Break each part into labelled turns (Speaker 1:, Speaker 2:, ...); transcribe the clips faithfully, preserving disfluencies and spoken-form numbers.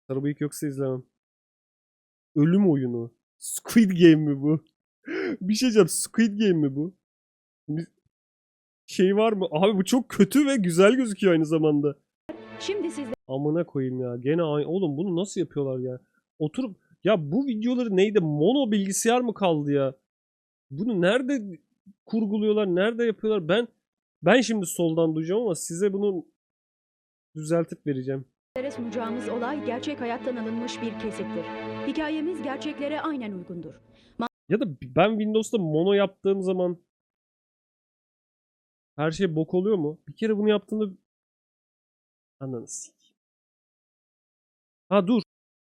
Speaker 1: Sarı bıyık yoksa izlemem. Ölüm oyunu. Squid Game mi bu? Bir şey diyeceğim. Squid Game mi bu? Bir şey var mı? Abi bu çok kötü ve güzel gözüküyor aynı zamanda.
Speaker 2: Şimdi sizde
Speaker 1: Amına koyayım ya. Gene aynı. Oğlum bunu nasıl yapıyorlar ya? Oturup ya bu videoları neydi? Mono bilgisayar mı kaldı ya? Bunu nerede kurguluyorlar? Nerede yapıyorlar? Ben ben şimdi soldan duyacağım ama size bunu düzeltip vereceğim.
Speaker 2: sunacağımız olay gerçek hayattan alınmış bir kesittir. Hikayemiz gerçeklere aynen uygundur.
Speaker 1: Ya da ben Windows'ta mono yaptığım zaman her şey bok oluyor mu? Bir kere bunu yaptığımda ananı sik. Ha dur.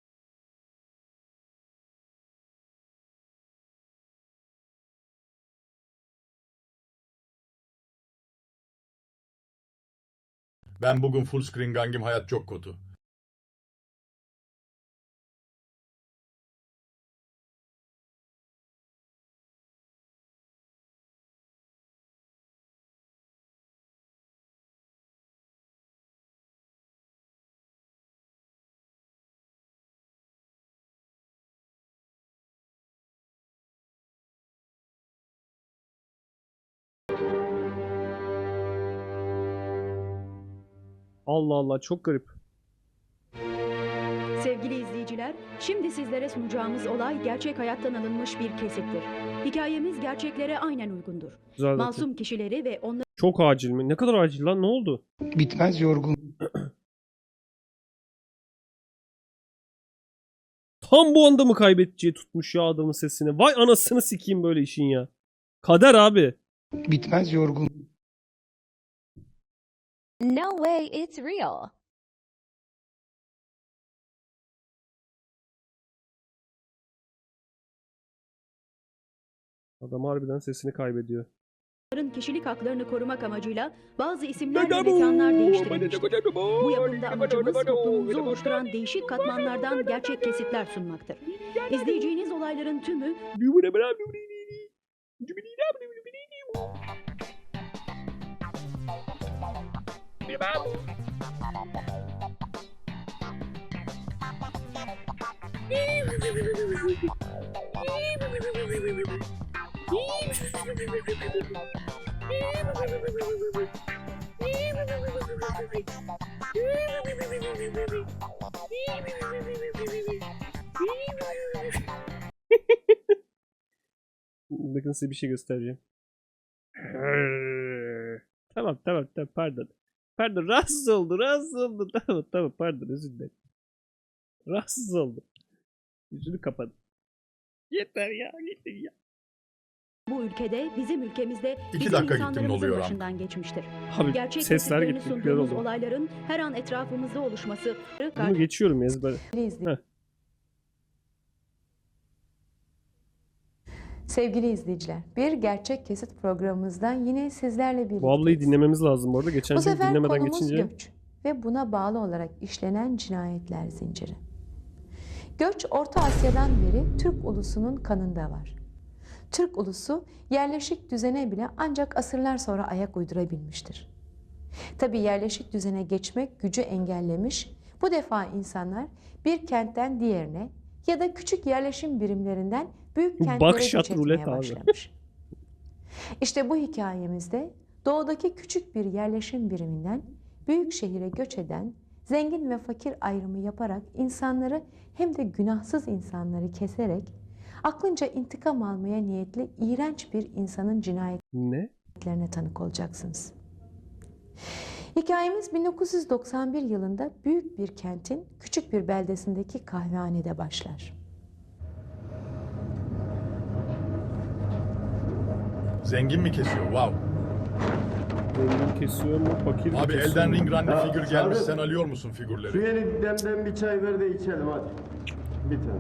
Speaker 3: Ben bugün full screen gangim, hayat çok kötü.
Speaker 1: Allah Allah çok garip.
Speaker 2: Sevgili izleyiciler, şimdi sizlere sunacağımız olay gerçek hayattan alınmış bir kesittir. Hikayemiz gerçeklere aynen uygundur.
Speaker 1: Güzel zaten.
Speaker 2: Masum kişileri ve onları
Speaker 1: Çok acil mi? Ne kadar acil lan? Ne oldu?
Speaker 4: Bitmez yorgun.
Speaker 1: Tam bu anda mı kaybedeceği tutmuş ya adamın sesini? Vay anasını sikeyim böyle işin ya. Kader abi.
Speaker 4: Bitmez yorgun.
Speaker 5: No way, it's real.
Speaker 1: Adam harbiden sesini kaybediyor.
Speaker 2: kişilik haklarını korumak amacıyla bazı isimler ve mekanlar değiştirilmiştir. Bu yapımda amacımız toplumumuzu oluşturan değişik katmanlardan gerçek kesitler sunmaktır. İzleyeceğiniz olayların tümü
Speaker 1: Bakın size bir şey göstereceğim. Tamam tamam tamam pardon. Pardon rahatsız oldu rahatsız oldu. Tamam tamam pardon özür dilerim. Rahatsız oldum. Yüzünü kapadım. Yeter ya yeter ya.
Speaker 2: bu ülkede, bizim ülkemizde
Speaker 3: İki
Speaker 2: bizim
Speaker 3: dakika gittim, ne
Speaker 2: insanlarımızın
Speaker 3: oluyor lan?
Speaker 2: başından geçmiştir.
Speaker 1: Abi
Speaker 2: Gerçek
Speaker 1: sesler
Speaker 2: kesitlerini
Speaker 1: gitti. Güzel
Speaker 2: sunduğumuz
Speaker 1: oldu.
Speaker 2: olayların her an etrafımızda oluşması
Speaker 1: Bunu geçiyorum ezber. Heh.
Speaker 6: Sevgili izleyiciler, bir gerçek kesit programımızdan yine sizlerle birlikteyiz.
Speaker 1: Bu ablayı dinlememiz lazım bu arada. Geçen
Speaker 6: Bu
Speaker 1: gün
Speaker 6: sefer
Speaker 1: dinlemeden
Speaker 6: konumuz
Speaker 1: geçince.
Speaker 6: göç ve buna bağlı olarak işlenen cinayetler zinciri. Göç, Orta Asya'dan beri Türk ulusunun kanında var. Türk ulusu yerleşik düzene bile ancak asırlar sonra ayak uydurabilmiştir. Tabii yerleşik düzene geçmek gücü engellemiş, bu defa insanlar bir kentten diğerine ya da küçük yerleşim birimlerinden büyük kentlere
Speaker 1: Bakşat
Speaker 6: göç
Speaker 1: rulet
Speaker 6: etmeye
Speaker 1: abi.
Speaker 6: başlamış. İşte bu hikayemizde doğudaki küçük bir yerleşim biriminden büyük şehire göç eden, zengin ve fakir ayrımı yaparak insanları hem de günahsız insanları keserek aklınca intikam almaya niyetli iğrenç bir insanın cinayetlerine
Speaker 1: Ne?
Speaker 6: tanık olacaksınız. Hikayemiz bin dokuz yüz doksan bir yılında büyük bir kentin küçük bir beldesindeki kahvehanede başlar.
Speaker 3: Zengin mi kesiyor? Wow.
Speaker 1: Zengin kesiyor mu? Fakir mi
Speaker 3: Abi
Speaker 1: kesiyor
Speaker 3: elden
Speaker 1: mu?
Speaker 3: ring run'lı
Speaker 7: Ya,
Speaker 3: figür gelmiş,
Speaker 7: abi.
Speaker 3: sen alıyor musun
Speaker 7: Şu
Speaker 3: figürleri?
Speaker 7: yeni demden bir çay ver de içelim hadi. Bir tane.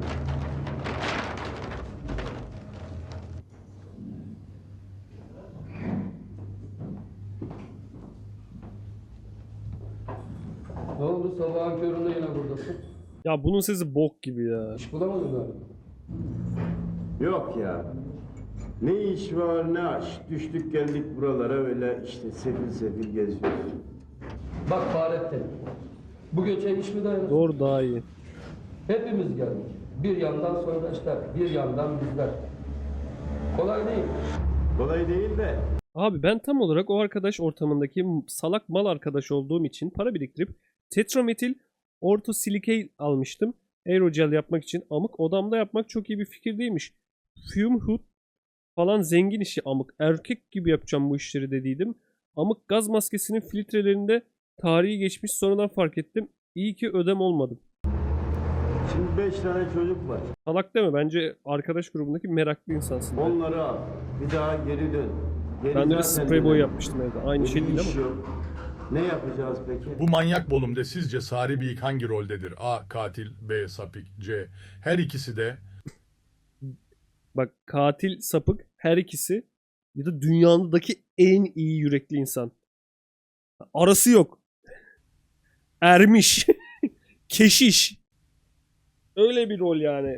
Speaker 8: Ne oldu sabahın köründe yine buradasın?
Speaker 1: Ya bunun sesi bok gibi ya.
Speaker 8: İş bulamadın galiba.
Speaker 7: Yok ya. Ne iş var ne aş. Düştük geldik buralara öyle işte sefil sefil geziyoruz.
Speaker 8: Bak Fahrettin. Bu göçe iş mi dayanır?
Speaker 1: Doğru daha iyi.
Speaker 8: Hepimiz geldik. Bir yandan soydaşlar, bir yandan bizler. Kolay değil.
Speaker 7: Kolay değil de.
Speaker 1: Abi ben tam olarak o arkadaş ortamındaki salak mal arkadaş olduğum için para biriktirip tetrametil ortosilikey almıştım. Aerogel yapmak için. Amık odamda yapmak çok iyi bir fikir değilmiş. Fume hood falan zengin işi amık. Erkek gibi yapacağım bu işleri dediydim. Amık gaz maskesinin filtrelerinde tarihi geçmiş, sonradan fark ettim. İyi ki ödem olmadım.
Speaker 7: Şimdi beş tane çocuk var.
Speaker 1: Salak deme, bence arkadaş grubundaki meraklı insansın.
Speaker 7: Onları al. Bir daha geri dön. Geri
Speaker 1: Ben de bir
Speaker 7: zaten
Speaker 1: sprey boy
Speaker 7: dönem.
Speaker 1: yapmıştım evde. Aynı
Speaker 7: Bir
Speaker 1: şey değil
Speaker 7: iş
Speaker 1: ama.
Speaker 7: yok. Ne yapacağız peki?
Speaker 3: Bu manyak bölümde sizce Sari Bıyık hangi roldedir? A. Katil, B. Sapık, C. Her ikisi de.
Speaker 1: Bak, katil, sapık her ikisi ya da dünyadaki en iyi yürekli insan. Arası yok. Ermiş. Keşiş. Öyle bir rol yani.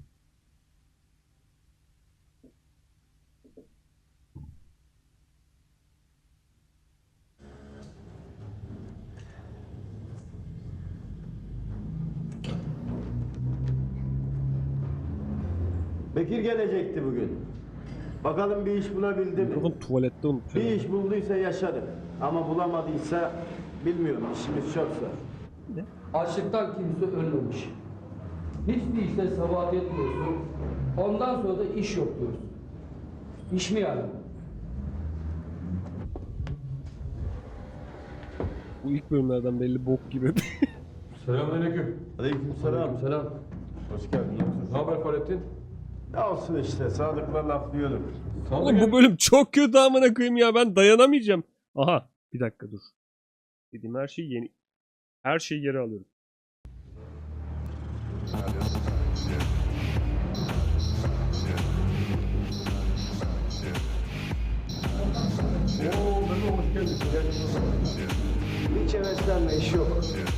Speaker 7: Bekir gelecekti bugün. Bakalım bir iş bulabildi mi?
Speaker 1: Mikrofon tuvalette unuttum.
Speaker 7: Bir iş bulduysa yaşarım. Ama bulamadıysa bilmiyorum, işimiz çoksa.
Speaker 8: Açlıktan kimse ölmemiş. Hiçbir işte sabahat etmiyorsun. Ondan sonra da iş yok diyorsun. İş mi yani?
Speaker 1: Bu ilk bölümlerden belli bok gibi.
Speaker 9: Selamünaleyküm.
Speaker 7: Aleykümselam.
Speaker 8: Selam.
Speaker 7: Hoş geldin.
Speaker 9: Ne haber Fahrettin?
Speaker 7: Ne olsun işte, Sadık'la laflıyorduk.
Speaker 1: Oğlum bu bölüm çok kötü amına koyayım ya, ben dayanamayacağım. Aha, bir dakika dur. Dediğim her şey yeni. Her şeyi geri alıyorum.
Speaker 9: Oo, ben hoş geldin.
Speaker 7: Hiç heveslenme, iş yok.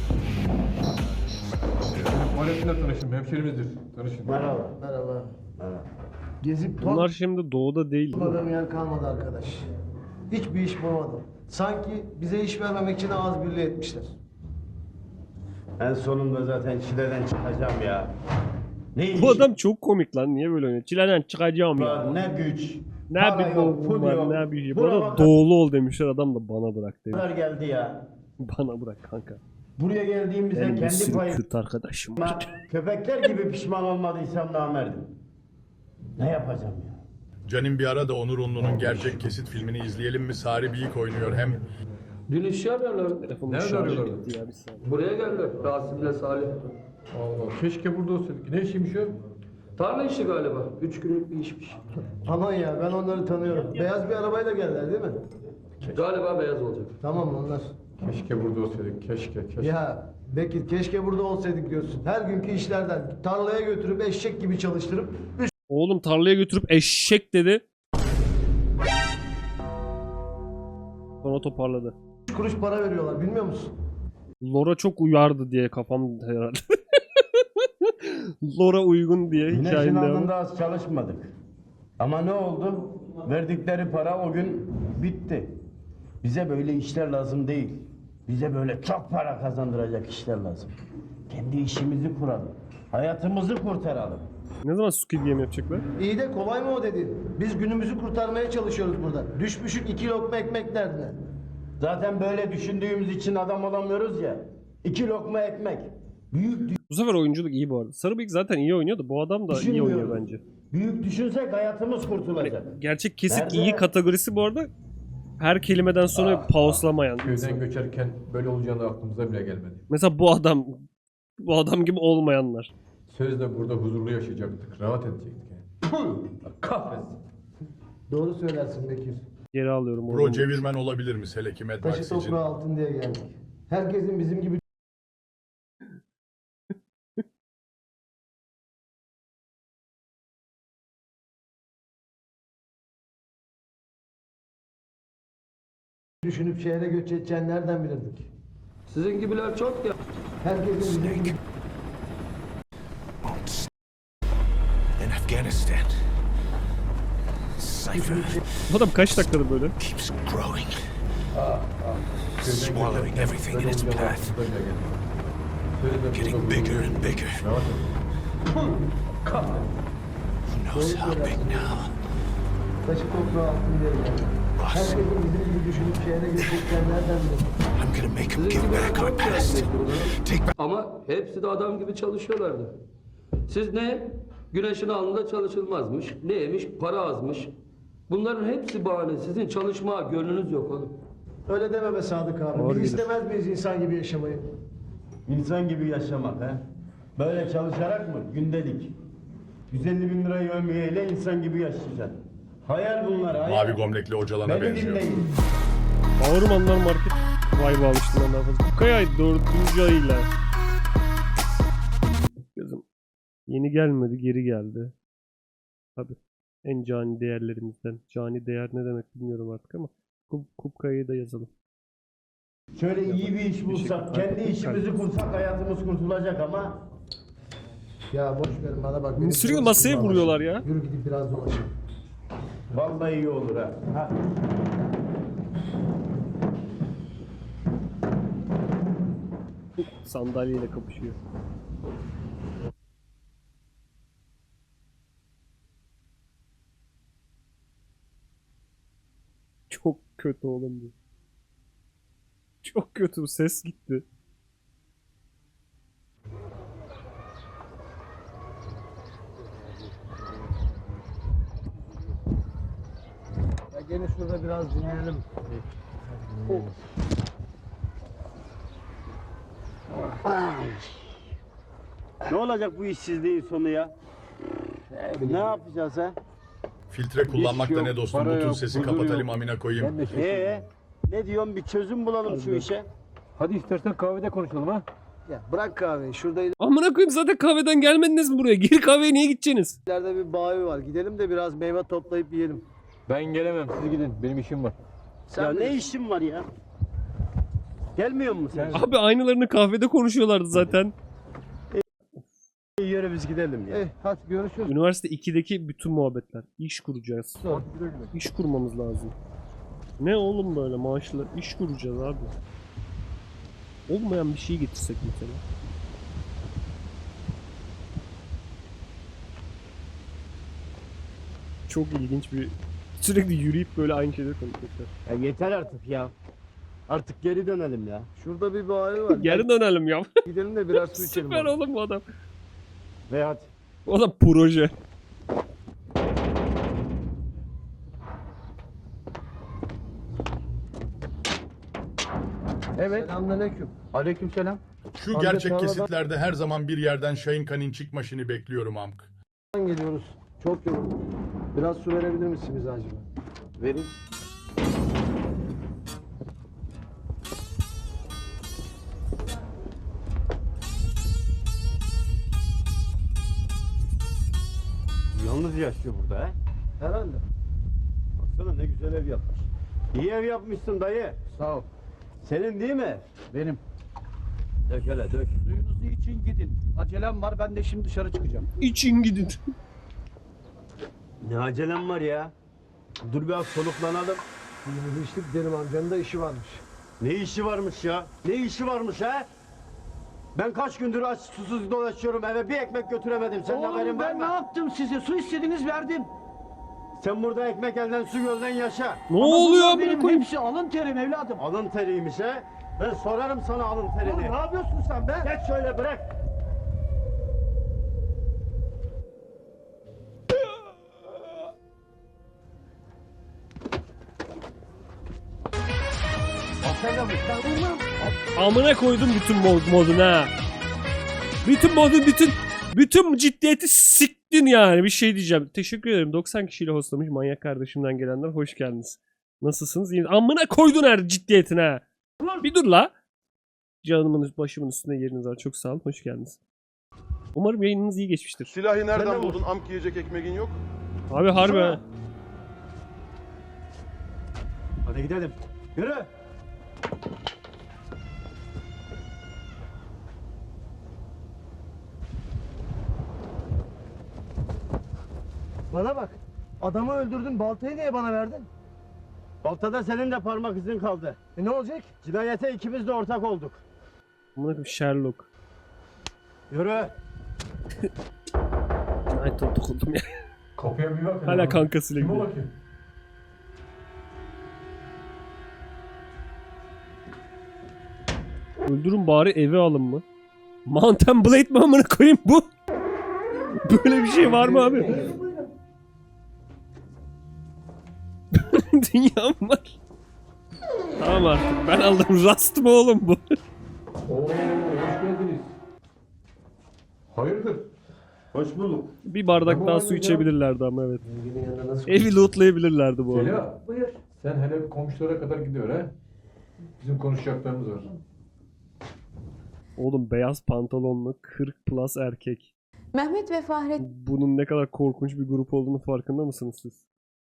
Speaker 9: Fahrettin'le tanıştım. Hemşerimizdir. Tanışın.
Speaker 10: Merhaba. Merhaba.
Speaker 7: Merhaba.
Speaker 10: Gezip
Speaker 1: Bunlar şimdi doğuda değil. değil mi?
Speaker 10: topladığım yer kalmadı arkadaş. Hiçbir iş bulamadım. Sanki bize iş vermemek için ağız birliği etmişler.
Speaker 7: En sonunda zaten çileden çıkacağım ya. Ne iş
Speaker 1: Bu adam çok komik lan. Niye böyle oynuyor? Çileden çıkacağım ya.
Speaker 7: var, ne güç.
Speaker 1: Ne
Speaker 7: para
Speaker 1: bir
Speaker 7: yok, pul
Speaker 1: boğum var,
Speaker 7: yok.
Speaker 1: ne bir şey.
Speaker 7: Burama
Speaker 1: Bana doğulu ol demişler, adam da bana bırak demiş.
Speaker 7: kadar geldi ya.
Speaker 1: Bana bırak kanka.
Speaker 7: Buraya geldiğimizde
Speaker 1: Benim bir
Speaker 7: kendi
Speaker 1: sürü
Speaker 7: payım.
Speaker 1: Kürt arkadaşım
Speaker 7: Ama
Speaker 1: var.
Speaker 7: köpekler gibi pişman olmadıysam namerdim. Ne yapacağım ya?
Speaker 3: Canim bir ara da Onur Unlu'nun gerçek kesit filmini izleyelim mi? Sari Bıyık oynuyor hem.
Speaker 8: Dün işi arıyorlar.
Speaker 1: Telefonum
Speaker 9: Nerede
Speaker 1: şarjı
Speaker 9: arıyorlar?
Speaker 1: bitti ya, bir saniye.
Speaker 8: Buraya geldiler. Rasim'le Salih.
Speaker 9: Allah, keşke burada olsaydık. Ne işiymiş o?
Speaker 8: Tarla işi galiba. Üç günlük bir işmiş.
Speaker 10: Aman ya, ben onları tanıyorum. Beyaz bir arabayla geldiler değil mi?
Speaker 8: Galiba beyaz olacak.
Speaker 10: Tamam onlar.
Speaker 9: Keşke burada olsaydık. Keşke, keşke.
Speaker 10: Ya Bekir, keşke burada olsaydık diyorsun. Her günkü işlerden tarlaya götürüp eşek gibi çalıştırıp üç
Speaker 1: Oğlum tarlaya götürüp eşek dedi. Sonra toparladı.
Speaker 10: kuruş para veriyorlar, bilmiyor musun?
Speaker 1: Lora çok uyardı diye kafam herhalde. Lora uygun diye
Speaker 7: Güneşin
Speaker 1: hikayenin devamı.
Speaker 7: altında az çalışmadık. Ama ne oldu? Verdikleri para o gün bitti. Bize böyle işler lazım değil. Bize böyle çok para kazandıracak işler lazım. Kendi işimizi kuralım. Hayatımızı kurtaralım.
Speaker 1: Ne zaman Squid Game yapacaklar?
Speaker 10: İyi de kolay mı o dediğin? Biz günümüzü kurtarmaya çalışıyoruz burada. Düşmüşük iki lokma ekmek derdine.
Speaker 7: Zaten böyle düşündüğümüz için adam olamıyoruz ya. İki lokma ekmek. Büyük
Speaker 1: Bu sefer oyunculuk iyi bu arada. Sarıbıyık zaten iyi oynuyordu. Bu adam da iyi oynuyor
Speaker 7: düşünmüyoruz.
Speaker 1: bence.
Speaker 7: Büyük düşünsek hayatımız kurtulacak.
Speaker 1: Gerçek kesit
Speaker 7: Nerede?
Speaker 1: iyi kategorisi bu arada. Her kelimeden sonra pauslamayan.
Speaker 9: Köyden göçerken böyle olacağını aklımıza bile gelmedi.
Speaker 1: Mesela bu adam. Bu adam gibi olmayanlar.
Speaker 9: Sözde burada huzurlu yaşayacaktık. Rahat edecektik yani. Puh! Kahretsin.
Speaker 10: Doğru söylersin Bekir.
Speaker 1: Geri alıyorum.
Speaker 3: Pro
Speaker 1: onu.
Speaker 3: çevirmen olabilir mi Seleki
Speaker 10: Taşı
Speaker 3: Medvax için?
Speaker 10: toprağı altın diye geldik. Herkesin bizim gibi düşünüp şehre göç edeceğini nereden bilirdik?
Speaker 8: Sizin gibiler çok ya.
Speaker 10: Herkesin bizim gibi
Speaker 11: In Afghanistan, Cypher
Speaker 1: Bu adam kaç dakikada böyle?
Speaker 11: keeps growing,
Speaker 9: Köyden
Speaker 11: swallowing
Speaker 9: göçerken
Speaker 11: everything in
Speaker 9: böyle
Speaker 11: its
Speaker 9: olacağını
Speaker 11: path.
Speaker 9: aklımıza bile gelmedi.
Speaker 11: Getting bigger and bigger. Who knows how big now?
Speaker 10: Taşı toprağı altın diye geldi. Herkesin bizim gibi düşünüp şehre gidecekler nereden bilir?
Speaker 11: I'm gonna make them give back our past. Take back.
Speaker 8: Ama hepsi de adam gibi çalışıyorlardı. Siz ne? Güneşin alnında çalışılmazmış. Neymiş? Para azmış. Bunların hepsi bahane. Sizin çalışmaya gönlünüz yok oğlum.
Speaker 10: Öyle deme be Sadık abi.
Speaker 1: Doğru
Speaker 10: Biz
Speaker 1: gelir.
Speaker 10: istemez miyiz insan gibi yaşamayı?
Speaker 7: İnsan gibi yaşamak ha. Böyle çalışarak mı? Gündelik. yüz elli bin lirayı ömüyeyle insan gibi yaşayacaksın. Hayal bunlar hayal.
Speaker 3: Mavi gömlekli hocalana
Speaker 7: Beni
Speaker 3: benziyor.
Speaker 7: dinleyin.
Speaker 1: Bağırmanlar market vibe almıştım ben daha fazla. Bu kaya dördüncü ayıyla. Kızım. Yeni gelmedi, geri geldi. Tabii. En cani değerlerimizden. Cani değer ne demek bilmiyorum artık ama Kup, Kupkaya'yı da yazalım.
Speaker 7: Şöyle iyi bir iş bulsak, kendi işimizi kursak hayatımız kurtulacak ama
Speaker 10: Ya boş verin bana bak. benim
Speaker 1: Sürekli
Speaker 10: canım
Speaker 1: masaya
Speaker 10: sıkıldı
Speaker 1: vuruyorlar
Speaker 10: Allah
Speaker 1: ya.
Speaker 10: aşkına. Yürü gidip biraz dolaşalım.
Speaker 7: vallahi iyi olur ha. ha.
Speaker 1: Sandalyeyle kapışıyor. Çok kötü oğlum bu. Çok kötü bu, ses gitti.
Speaker 10: Ya gene şurada biraz dinleyelim.
Speaker 7: Ne olacak bu işsizliğin sonu ya? Ne yapacağız ha?
Speaker 3: Filtre kullanmakta
Speaker 9: yok,
Speaker 3: ne dostum?
Speaker 9: para
Speaker 3: Bu tür
Speaker 9: yok,
Speaker 3: sesi
Speaker 9: huzur
Speaker 3: kapatalım
Speaker 9: yok.
Speaker 3: amına koyayım.
Speaker 7: Ee, ne diyorsun bir çözüm bulalım şu işe.
Speaker 9: Hadi istersen kahvede konuşalım ha.
Speaker 10: Ya bırak kahveyi. Şurada
Speaker 1: Amına koyayım, zaten kahveden gelmediniz mi buraya? Gir kahveye niye gideceksiniz?
Speaker 10: ileride bir bayi var. Gidelim de biraz meyve toplayıp yiyelim.
Speaker 9: Ben gelemem, siz gidin. Benim işim var.
Speaker 10: Sen
Speaker 7: ya ne
Speaker 10: bilirsin.
Speaker 7: işin var ya? Gelmiyor musun sen?
Speaker 1: Abi aynılarını kahvede konuşuyorlardı zaten.
Speaker 7: Yürü biz gidelim ya.
Speaker 10: Eh hadi görüşürüz.
Speaker 1: Üniversite ikideki bütün muhabbetler. İş kuracağız. İş kurmamız lazım. Ne oğlum böyle maaşlı? İş kuracağız abi. Olmayan bir şey getirsek mesela. Çok ilginç bir... Sürekli yürüyüp böyle aynı şeyleri konuşuyorlar.
Speaker 7: Ya yeter artık ya. Artık geri dönelim ya.
Speaker 10: Şurada bir bayi var.
Speaker 1: Geri dönelim ya.
Speaker 10: Gidelim de biraz su içelim.
Speaker 1: Süper
Speaker 10: bari.
Speaker 1: oğlum bu adam.
Speaker 7: Ve hadi.
Speaker 1: O da proje.
Speaker 10: Evet. Selamünaleyküm.
Speaker 7: Aleykümselam.
Speaker 3: Şu
Speaker 10: Amca
Speaker 3: gerçek
Speaker 10: tarladan-
Speaker 3: kesitlerde her zaman bir yerden Şahin Kan'in çıkmaşını bekliyorum amk.
Speaker 10: Geliyoruz. Çok yoruldum. Biraz su verebilir misin bize acaba?
Speaker 7: Verin. Yalnız yaşıyor burada ha.
Speaker 10: Herhalde.
Speaker 7: Baksana ne güzel ev yapmış. İyi ev yapmışsın dayı.
Speaker 10: Sağ ol.
Speaker 7: Senin değil mi?
Speaker 10: Benim.
Speaker 7: Dök hele dök.
Speaker 10: Suyunuzu için gidin. Acelem var. Ben de şimdi dışarı çıkacağım.
Speaker 1: İçin gidin.
Speaker 7: Ne acelem var ya? Dur biraz soluklanalım.
Speaker 10: Suyumuzu içtik derim amcanın da işi varmış.
Speaker 7: Ne işi varmış ya? Ne işi varmış ha? Ben kaç gündür aç susuz dolaşıyorum eve bir ekmek götüremedim. Senin haberin var mı?
Speaker 10: yaptım size? Su istediniz verdim.
Speaker 7: Sen burada ekmek elden su gölden yaşa.
Speaker 1: Ne oluyor amına koyayım?
Speaker 10: hepsi alın terim evladım.
Speaker 7: Alın teriymiş ha. Ben sorarım sana alın terini.
Speaker 10: Ne yapıyorsun sen be?
Speaker 7: Geç şöyle bırak.
Speaker 1: Amına koydum bütün mod moduna. Bütün modu bütün bütün ciddiyeti siktin yani, bir şey diyeceğim. Teşekkür ederim. doksan kişiyle hostlamış manyak kardeşimden gelenler, hoş geldiniz. Nasılsınız? İyi. Amına koydun her ciddiyetine. Bir dur la. Canımın başımın üstünde yeriniz var. Çok sağ olun. Hoş geldiniz. Umarım yayınınız iyi geçmiştir.
Speaker 12: Silahı nereden
Speaker 7: Sen de
Speaker 12: buldun? Amk yiyecek ekmeğin yok.
Speaker 1: Abi harbi ha.
Speaker 7: Hadi gidelim. Yürü.
Speaker 10: Bana bak. Adamı öldürdün. Baltayı niye bana verdin?
Speaker 7: Baltada senin de parmak izin kaldı.
Speaker 10: E ne olacak?
Speaker 7: Cinayete ikimiz de ortak olduk.
Speaker 1: Amına koyayım Sherlock.
Speaker 7: Yürü.
Speaker 1: Ay dokundum ya.
Speaker 9: Kapıya bir bak.
Speaker 1: Hala kankasıyla
Speaker 9: Kime
Speaker 1: gidiyor.
Speaker 9: bakayım?
Speaker 1: Öldürün bari eve alın mı? Mountain Blade mi amına koyayım bu? Böyle bir şey var mı abi? Dünya mı var? Tamam artık ben aldım. Rust mı oğlum bu?
Speaker 9: Oo, hoş geldiniz. Hayırdır?
Speaker 7: Hoş bulduk.
Speaker 1: Bir bardak
Speaker 9: Tamam
Speaker 1: daha
Speaker 9: abi
Speaker 1: su
Speaker 9: ya.
Speaker 1: içebilirlerdi ama evet.
Speaker 8: Zenginin yanında nasıl
Speaker 1: Evi lootlayabilirlerdi bu arada.
Speaker 9: Zeliha. Buyur. Sen hele bir komşulara kadar gidiyor ha. Bizim konuşacaklarımız var.
Speaker 1: Oğlum beyaz pantolonlu kırk plus erkek.
Speaker 6: Mehmet ve Fahrettin
Speaker 1: Bunun ne kadar korkunç bir grup olduğunu farkında mısınız siz?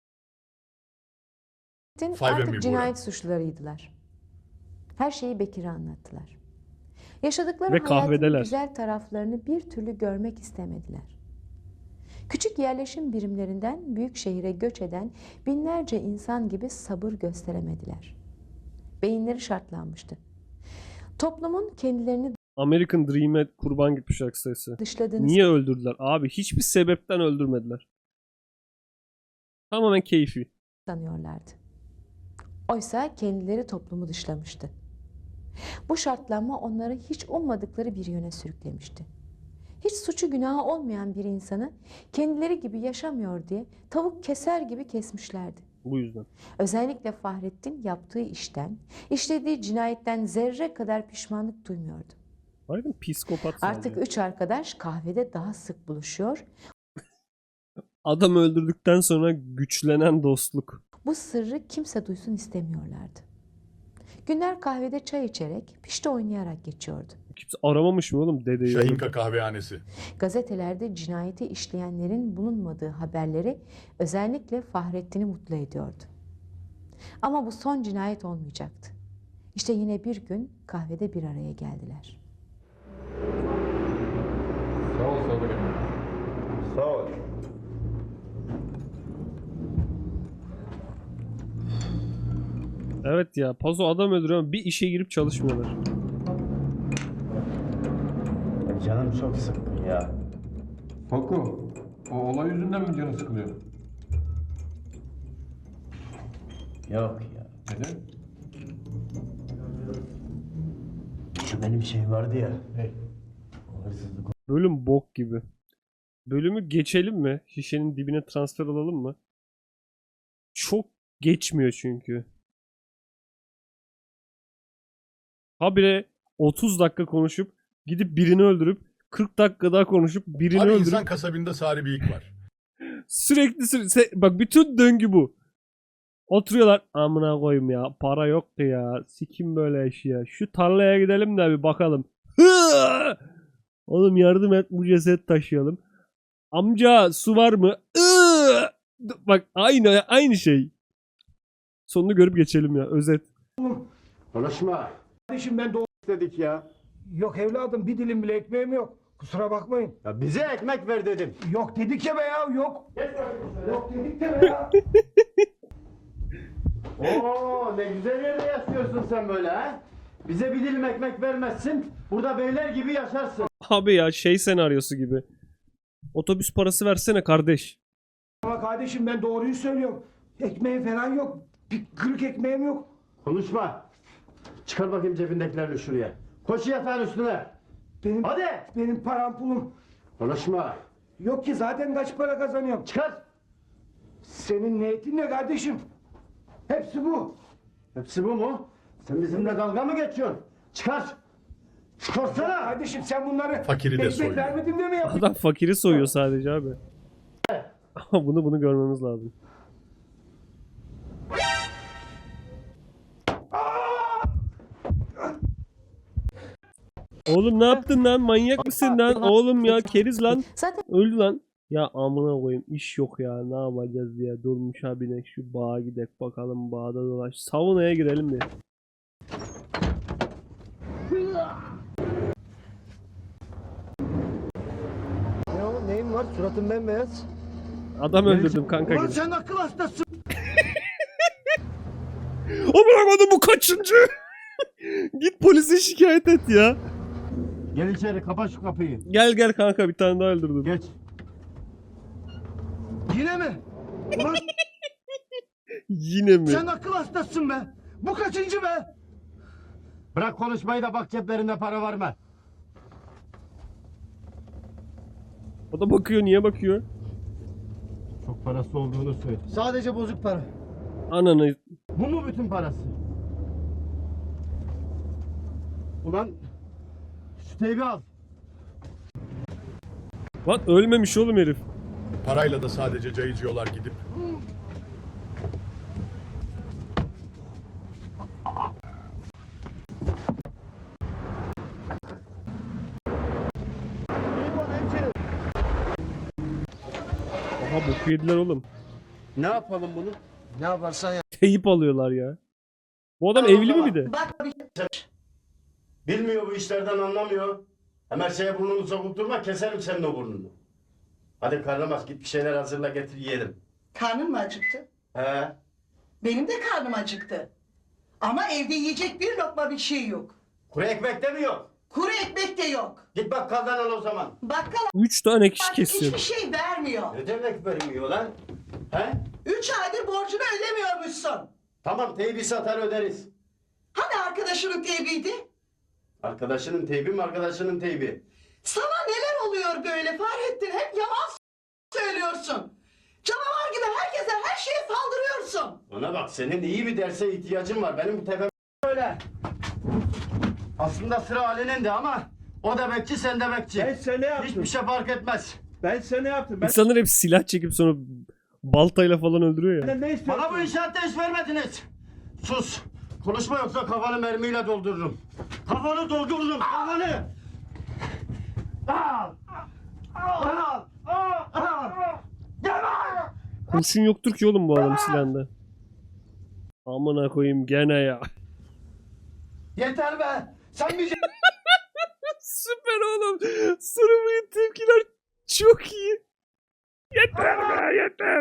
Speaker 3: Five and
Speaker 6: artık
Speaker 3: me
Speaker 6: cinayet suçlularıydılar. Her şeyi Bekir'e anlattılar. Yaşadıkları
Speaker 1: Ve
Speaker 6: hayatın
Speaker 1: kahvedeler.
Speaker 6: güzel taraflarını bir türlü görmek istemediler. Küçük yerleşim birimlerinden büyük şehire göç eden binlerce insan gibi sabır gösteremediler. Beyinleri şartlanmıştı. Toplumun kendilerini
Speaker 1: American Dream'e kurban gitmiş sayısı.
Speaker 6: dışladığını
Speaker 1: Niye öldürdüler? Abi hiçbir sebepten öldürmediler. Tamamen keyfi.
Speaker 6: sanıyorlardı. Oysa kendileri toplumu dışlamıştı. Bu şartlanma onları hiç ummadıkları bir yöne sürüklemişti. Hiç suçu günahı olmayan bir insanı kendileri gibi yaşamıyor diye tavuk keser gibi kesmişlerdi.
Speaker 1: Bu yüzden.
Speaker 6: Özellikle Fahrettin yaptığı işten, işlediği cinayetten zerre kadar pişmanlık duymuyordu.
Speaker 1: Harbiden psikopat
Speaker 6: Artık
Speaker 1: sadece.
Speaker 6: üç arkadaş kahvede daha sık buluşuyor.
Speaker 1: Adam öldürdükten sonra güçlenen dostluk.
Speaker 6: Bu sırrı kimse duysun istemiyorlardı. Günler kahvede çay içerek, pişti oynayarak geçiyordu.
Speaker 1: Kimse aramamış mı oğlum dedeyi?
Speaker 3: Şahinka kahvehanesi.
Speaker 6: Gazetelerde cinayeti işleyenlerin bulunmadığı haberleri özellikle Fahrettin'i mutlu ediyordu. Ama bu son cinayet olmayacaktı. İşte yine bir gün kahvede bir araya geldiler.
Speaker 9: Sağ ol Sadık Emre.
Speaker 7: Sağ ol.
Speaker 1: Evet ya, Pazo adam öldürüyor ama bir işe girip çalışmıyorlar.
Speaker 7: Canım çok sıkkın ya.
Speaker 9: Paku, o olay yüzünden mi canın sıkılıyor?
Speaker 7: Yok ya.
Speaker 9: Neden?
Speaker 7: Şu benim şey vardı ya.
Speaker 9: Hey.
Speaker 7: O hırsızlık.
Speaker 1: Bölüm bok gibi. Bölümü geçelim mi? Şişenin dibine transfer alalım mı? Çok geçmiyor çünkü. Habire otuz dakika konuşup gidip birini öldürüp kırk dakika daha konuşup birini
Speaker 3: Abi
Speaker 1: öldürüp
Speaker 3: insan kasabında Sari Bıyık var.
Speaker 1: sürekli sürekli bak bütün döngü bu. Oturuyorlar amına koyayım ya para yok ki ya sikim böyle iş ya şu tarlaya gidelim de bir bakalım. Hıı! Oğlum yardım et bu ceset taşıyalım. Amca su var mı? Iıı! Bak aynı aynı şey. Sonunu görüp geçelim ya özet.
Speaker 7: Konuşma.
Speaker 10: Kardeşim ben doğ...
Speaker 7: Dedik ya.
Speaker 10: Yok evladım bir dilim bile ekmeğim yok. Kusura bakmayın.
Speaker 7: Ya bize ekmek ver dedim.
Speaker 10: Yok dedik ya be ya yok. Yok dedik de be ya.
Speaker 7: Oo ne güzel yerde yaşıyorsun sen böyle ha. Bize bir dilim ekmek vermezsin. Burada beyler gibi yaşarsın.
Speaker 1: Abi ya şey senaryosu gibi. Otobüs parası versene kardeş.
Speaker 10: Ama kardeşim ben doğruyu söylüyorum. Ekmeğim falan yok. Bir kırık ekmeğim yok.
Speaker 7: Konuşma. Çıkar bakayım cebindekilerini şuraya. Koş yatağın üstüne.
Speaker 10: Benim,
Speaker 7: Hadi.
Speaker 10: benim param pulum.
Speaker 7: Konuşma.
Speaker 10: Yok ki zaten kaç para kazanıyorum.
Speaker 7: Çıkar.
Speaker 10: Senin niyetin ne kardeşim? Hepsi bu.
Speaker 7: Hepsi bu mu? Sen bizimle dalga mı geçiyorsun? Çıkar. Çıkarsana.
Speaker 10: Kardeşim sen bunları
Speaker 3: Fakiri de
Speaker 10: ekmek
Speaker 3: soyuyor.
Speaker 10: vermedim de mi yapıyorsun?
Speaker 1: Adam fakiri soyuyor sadece abi. Ama bunu bunu görmemiz lazım. Oğlum ne yaptın lan? Manyak mısın lan? Oğlum ya keriz lan.
Speaker 6: Zaten
Speaker 1: Öldü lan. Ya amına koyayım iş yok ya. Ne yapacağız diye. Durmuş abine şu bağa gidek bakalım bağda dolaş. Saunaya girelim de.
Speaker 10: Ne o neyin var? Suratın bembeyaz.
Speaker 1: Adam öldürdüm kanka
Speaker 10: Ulan
Speaker 1: gibi.
Speaker 10: sen akıl hastasın.
Speaker 1: Amına koydum bu kaçıncı? Git polise şikayet et ya.
Speaker 7: Gel içeri, kapa şu kapıyı.
Speaker 1: Gel gel kanka, bir tane daha öldürdüm.
Speaker 7: Geç.
Speaker 10: Yine mi? Ulan
Speaker 1: Yine mi?
Speaker 10: sen akıl hastasın be. Bu kaçıncı be?
Speaker 7: Bırak konuşmayı da bak ceplerinde para var mı?
Speaker 1: O da bakıyor, niye bakıyor?
Speaker 7: Çok parası olduğunu söyle.
Speaker 10: Sadece bozuk para.
Speaker 1: Ananı.
Speaker 7: Bu mu bütün parası? Ulan şu teybi al.
Speaker 1: Lan ölmemiş oğlum herif.
Speaker 3: Parayla da sadece cayıcıyorlar gidip.
Speaker 1: Aha boku yediler oğlum.
Speaker 7: Ne yapalım bunu?
Speaker 10: Ne yaparsan yap.
Speaker 1: Teyip alıyorlar ya. Bu adam evli mi bir de?
Speaker 7: Bilmiyor, bu işlerden anlamıyor. Hemen şeye burnunu sokup durma, keserim senin o burnunu. Hadi karnımaz, git bir şeyler hazırla getir yiyelim.
Speaker 12: Karnın mı acıktı?
Speaker 7: He?
Speaker 12: Benim de karnım acıktı. Ama evde yiyecek bir lokma bir şey yok.
Speaker 7: Kuru ekmek de mi yok?
Speaker 12: Kuru ekmek de yok.
Speaker 7: Git bakkaldan al o zaman.
Speaker 12: Bakkal
Speaker 1: Üç tane kişi
Speaker 12: artık
Speaker 1: kesiyor.
Speaker 12: hiçbir şey vermiyor.
Speaker 7: Ne demek vermiyor lan? He?
Speaker 12: Üç aydır borcunu ödemiyormuşsun.
Speaker 7: Tamam, teybi satar öderiz.
Speaker 12: Hani arkadaşının teybiydi?
Speaker 7: Arkadaşının teybi mi arkadaşının teybi?
Speaker 12: Sana neler oluyor böyle Fahrettin? Hep yalan söylüyorsun. Canavar gibi herkese her şeye saldırıyorsun.
Speaker 7: Ona bak, senin iyi bir derse ihtiyacın var. Benim bu tepem öyle. Aslında sıra Ali'nin de ama o da bekçi, sen de bekçi.
Speaker 10: Ben sana yaptım.
Speaker 7: Hiçbir şey fark etmez.
Speaker 10: Ben sana yaptım. Ben
Speaker 1: İnsanlar hep silah çekip sonra baltayla falan öldürüyor ya.
Speaker 10: ne istiyorsun?
Speaker 7: Bana bu inşaatta iş vermediniz. Sus. Konuşma yoksa kafanı mermiyle doldururum. Kafanı doldururum, kafanı. Al. Al. Al. Al. Gel.
Speaker 1: Kurşun yoktur ki oğlum bu adam silahında. Amına koyayım gene ya.
Speaker 10: Yeter be. Sen bir
Speaker 1: Süper oğlum. Sarımın tepkiler çok iyi. Yeter be yeter.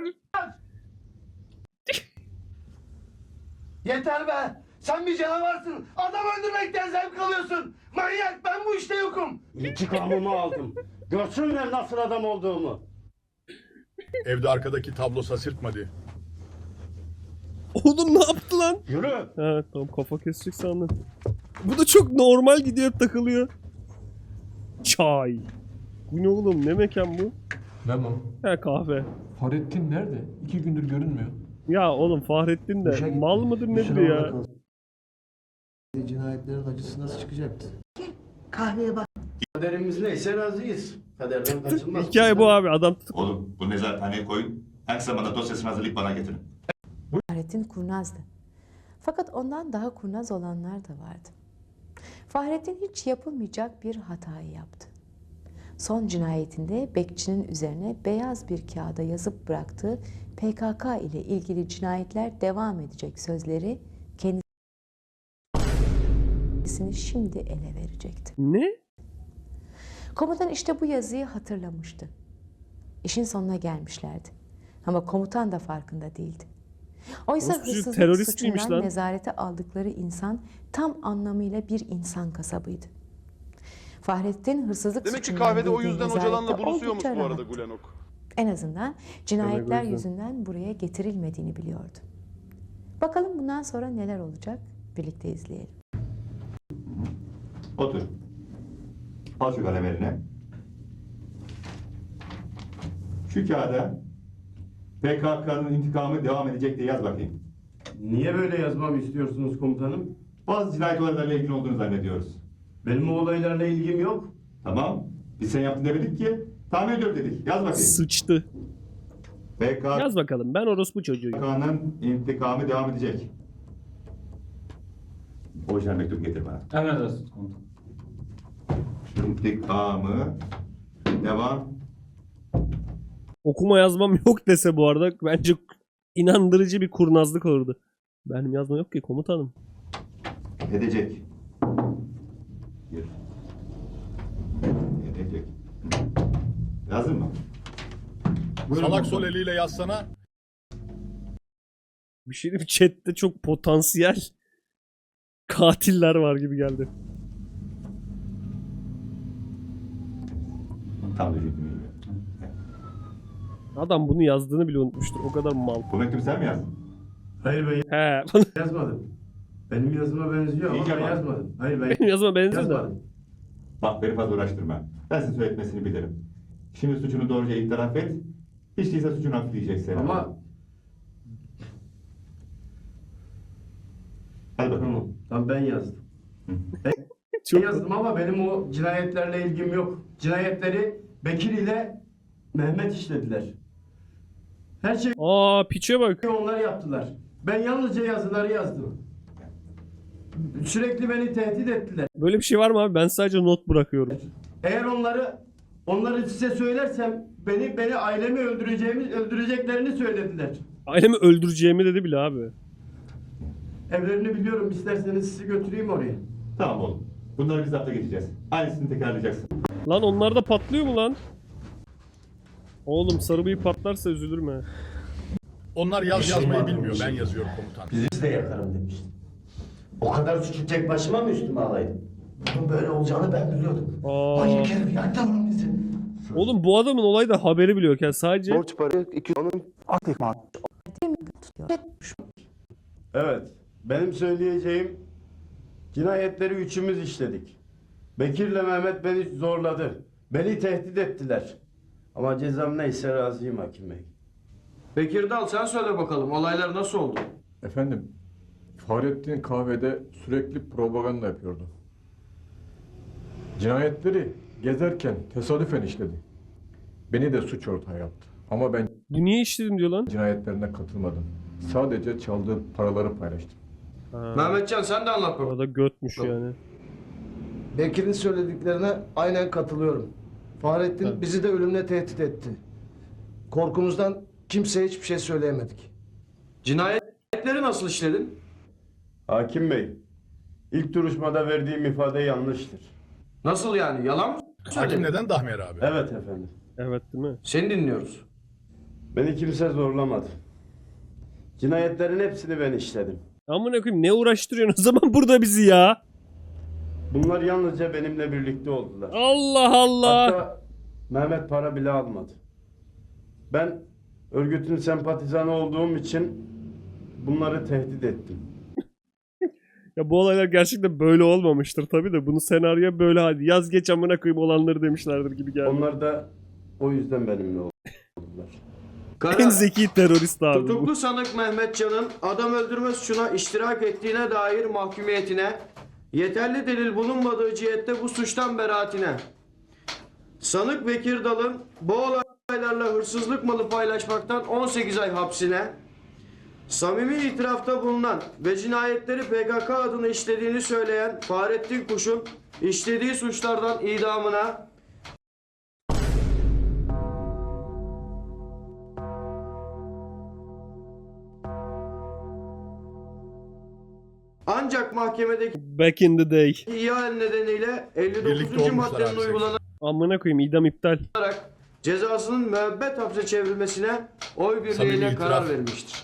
Speaker 10: Yeter be. Sen bir canavarsın. Adam öldürmekten zevk alıyorsun. Manyak, ben bu işte yokum.
Speaker 7: İntikamımı aldım. Görsünler nasıl adam olduğumu.
Speaker 3: Evde arkadaki tablo sasırtmadı.
Speaker 1: Oğlum ne yaptı lan?
Speaker 7: Yürü.
Speaker 1: Ha tamam, kafa kesecek sandım. Bu da çok normal gidiyor, hep takılıyor. Çay. Bu ne oğlum, ne mekan bu?
Speaker 9: Ne bu?
Speaker 1: Ha kahve.
Speaker 9: Fahrettin nerede? İki gündür görünmüyor.
Speaker 1: Ya oğlum Fahrettin de
Speaker 10: İşe gitmiş.
Speaker 1: mal mıdır nedir
Speaker 10: İşine
Speaker 1: ya?
Speaker 10: orada kalsın. Cinayetlerin acısı nasıl çıkacaktı?
Speaker 12: Kahveye bak.
Speaker 7: Kaderimiz neyse razıyız. Kaderden kaçılmaz.
Speaker 1: Hikaye bu abi, adam tutuk.
Speaker 11: Oğlum bu nezarethaneye koyun. En kısa zamanda dosyasını hazırlayıp bana getirin.
Speaker 6: Fahrettin kurnazdı. Fakat ondan daha kurnaz olanlar da vardı. Fahrettin hiç yapılmayacak bir hatayı yaptı. Son cinayetinde bekçinin üzerine beyaz bir kağıda yazıp bıraktığı P K K ile ilgili cinayetler devam edecek sözleri kendisini şimdi ele verecekti.
Speaker 1: Ne?
Speaker 6: Komutan işte bu yazıyı hatırlamıştı. İşin sonuna gelmişlerdi. Ama komutan da farkında değildi. Oysa
Speaker 1: Nasıl çocuk,
Speaker 6: hırsızlık
Speaker 1: terörist miymiş
Speaker 6: suçundan
Speaker 1: lan?
Speaker 6: nezarete aldıkları insan tam anlamıyla bir insan kasabıydı. Fahrettin hırsızlık
Speaker 13: Demek ki
Speaker 6: suçundan
Speaker 13: kahvede o
Speaker 6: girdiği
Speaker 13: yüzden
Speaker 6: nezarette
Speaker 13: hocalanla buluşuyormuş
Speaker 6: oldukça
Speaker 13: bu arada
Speaker 6: rahattı.
Speaker 13: Gulenok.
Speaker 6: En azından cinayetler
Speaker 1: yüzden.
Speaker 6: yüzünden buraya getirilmediğini biliyordu. Bakalım bundan sonra neler olacak? Birlikte izleyelim.
Speaker 11: Otur. Al şu kalem eline. Şu kağıda P K K'nın intikamı devam edecek diye yaz bakayım.
Speaker 7: Niye böyle yazmamı istiyorsunuz komutanım?
Speaker 11: Bazı cinayet olaylarıyla ilgili olduğunu zannediyoruz.
Speaker 7: Benim o olaylarla ilgim yok.
Speaker 11: Tamam. Biz sen yaptın demedik ki. Tahmin ediyorum dedik. Yaz bakayım.
Speaker 1: Sıçtı.
Speaker 11: P K
Speaker 1: Yaz bakalım, ben orospu çocuğuyum.
Speaker 11: K'nın intikamı devam edecek. Orijinal mektup getir bana.
Speaker 8: Emredersiniz komutanım.
Speaker 11: İntikamı devam.
Speaker 1: Okuma yazmam yok dese bu arada bence inandırıcı bir kurnazlık olurdu. Benim yazma yok ki komutanım.
Speaker 11: Edecek. Bir. Edecek. Yazdın mı? Buyurun
Speaker 3: Salak
Speaker 11: komutanım.
Speaker 3: sol eliyle yazsana.
Speaker 1: Bir şey diyeyim mi? Chat'te çok potansiyel katiller var gibi geldi.
Speaker 11: Tam dediğim gibi.
Speaker 1: Adam bunu yazdığını bile unutmuştur. O kadar mal.
Speaker 11: Bu mektubu sen mi yazdın?
Speaker 7: Hayır ben
Speaker 1: He.
Speaker 7: yazmadım. Benim yazıma benziyor ama
Speaker 11: İyice
Speaker 7: ben
Speaker 11: bak.
Speaker 7: yazmadım. Hayır ben
Speaker 1: Benim yazıma benziyor da.
Speaker 7: yazmadım.
Speaker 11: Bak beni fazla uğraştırma. Ben senin söyletmesini bilirim. Şimdi suçunu doğruca itiraf et. Hiç değilse suçunu hafifleyeceksin.
Speaker 7: Ama
Speaker 11: Hadi bakalım.
Speaker 7: tamam. Tamam ben yazdım. Ben
Speaker 1: Çok
Speaker 7: yazdım ama benim o cinayetlerle ilgim yok. Cinayetleri Bekir ile Mehmet işlediler. Her şeyi
Speaker 1: Aa piçe bak.
Speaker 7: onlar yaptılar. Ben yalnızca yazıları yazdım. Sürekli beni tehdit ettiler.
Speaker 1: Böyle bir şey var mı abi? Ben sadece not bırakıyorum.
Speaker 7: Eğer onları onları size söylersem beni beni ailemi öldüreceğimi öldüreceklerini söylediler.
Speaker 1: Ailemi öldüreceğimi dedi bile abi.
Speaker 7: Evlerini biliyorum. İsterseniz sizi götüreyim oraya.
Speaker 11: Tamam oğlum. Bunları biz hafta geçeceğiz. Aynısını tekrarlayacaksın.
Speaker 1: Lan onlar da patlıyor mu lan? Oğlum sarı bıyık patlarsa üzülürüm he.
Speaker 3: Onlar yaz yazmayı bilmiyor. Ben yazıyorum komutan.
Speaker 7: Bizi de yakarım demiştim. O kadar suçu tek başıma mı üstüme alaydım?
Speaker 10: Bunun böyle olacağını ben biliyordum.
Speaker 1: Aa.
Speaker 10: Hayır Kerim yaktı bunu bizi.
Speaker 1: Oğlum bu adamın olayda haberi bile yok yani sadece
Speaker 10: Borç para iki onun aktif mal.
Speaker 7: Evet. Benim söyleyeceğim cinayetleri üçümüz işledik. Bekir'le Mehmet beni zorladı. Beni tehdit ettiler. Ama cezam neyse razıyım hakim bey.
Speaker 8: Bekir Dal sen söyle bakalım olaylar nasıl oldu?
Speaker 9: Efendim, Fahrettin kahvede sürekli propaganda yapıyordu. Cinayetleri gezerken tesadüfen işledi. Beni de suç ortağı yaptı. Ama ben
Speaker 1: bu niye işledim diyor lan.
Speaker 9: cinayetlerine katılmadım. Sadece çaldığı paraları paylaştım.
Speaker 1: Ha,
Speaker 8: Mehmetcan sen de anlat bakalım.
Speaker 1: orada götmüş yani.
Speaker 10: Bekir'in söylediklerine aynen katılıyorum. Fahrettin
Speaker 1: Evet.
Speaker 10: bizi de ölümle tehdit etti. Korkumuzdan kimseye hiçbir şey söyleyemedik.
Speaker 8: Cinayetleri nasıl işledin?
Speaker 7: Hakim bey, ilk duruşmada verdiğim ifade yanlıştır.
Speaker 8: Nasıl yani yalan mı
Speaker 3: Hakim
Speaker 8: söyledin?
Speaker 3: neden Dahmer abi?
Speaker 7: Evet efendim.
Speaker 1: Evet değil mi?
Speaker 8: Seni dinliyoruz.
Speaker 7: Beni kimse zorlamadı. Cinayetlerin hepsini ben işledim.
Speaker 1: Amına koyayım ne uğraştırıyorsun o zaman burada bizi ya?
Speaker 7: Bunlar yalnızca benimle birlikte oldular.
Speaker 1: Allah Allah.
Speaker 7: Hatta Mehmet para bile almadı. Ben örgütün sempatizanı olduğum için bunları tehdit ettim.
Speaker 1: Ya bu olaylar gerçekten böyle olmamıştır tabii de bunu senaryoya böyle hadi yaz geç amına koyayım olanları demişlerdir gibi geldi.
Speaker 7: Onlar da o yüzden benimle oldular.
Speaker 1: En
Speaker 8: Karar.
Speaker 1: zeki terörist abi bu.
Speaker 8: Tutuklu sanık Mehmetcan'ın adam öldürme suçuna iştirak ettiğine dair mahkumiyetine, yeterli delil bulunmadığı cihette bu suçtan beraatine, sanık Bekir Dal'ın bu olaylarla hırsızlık malı paylaşmaktan on sekiz ay hapsine, samimi itirafta bulunan ve cinayetleri P K K adına işlediğini söyleyen Fahrettin Kuş'un işlediği suçlardan idamına, ancak mahkemedeki
Speaker 1: Back in the day.
Speaker 8: ihale nedeniyle elli
Speaker 3: Birlikte
Speaker 8: dokuzuncu
Speaker 3: olmuşlar
Speaker 8: maddenin
Speaker 3: abi,
Speaker 8: uygulanarak
Speaker 1: Amına koyayım idam iptal.
Speaker 8: cezasının müebbet hapse çevrilmesine oy
Speaker 3: Samimi
Speaker 8: birliğiyle
Speaker 3: itiraf.
Speaker 8: karar verilmiştir.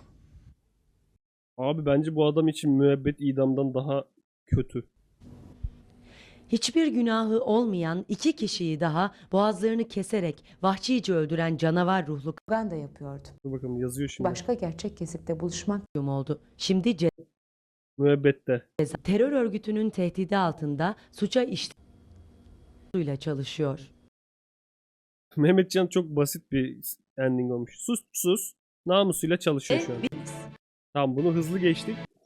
Speaker 1: Abi bence bu adam için müebbet idamdan daha kötü.
Speaker 13: Hiçbir günahı olmayan iki kişiyi daha boğazlarını keserek vahşice öldüren canavar ruhlu
Speaker 6: Propaganda yapıyordu.
Speaker 1: Dur bakalım yazıyor şimdi.
Speaker 6: Başka gerçek kesipte buluşmak
Speaker 13: kayyum oldu. Şimdi
Speaker 1: Müebbette.
Speaker 13: ceza terör örgütünün tehdidi altında suça işle çalışıyor.
Speaker 1: Mehmetcan çok basit bir ending olmuş. Sus sus. Namusuyla çalışıyor şu an. Tamam bunu hızlı geçtik.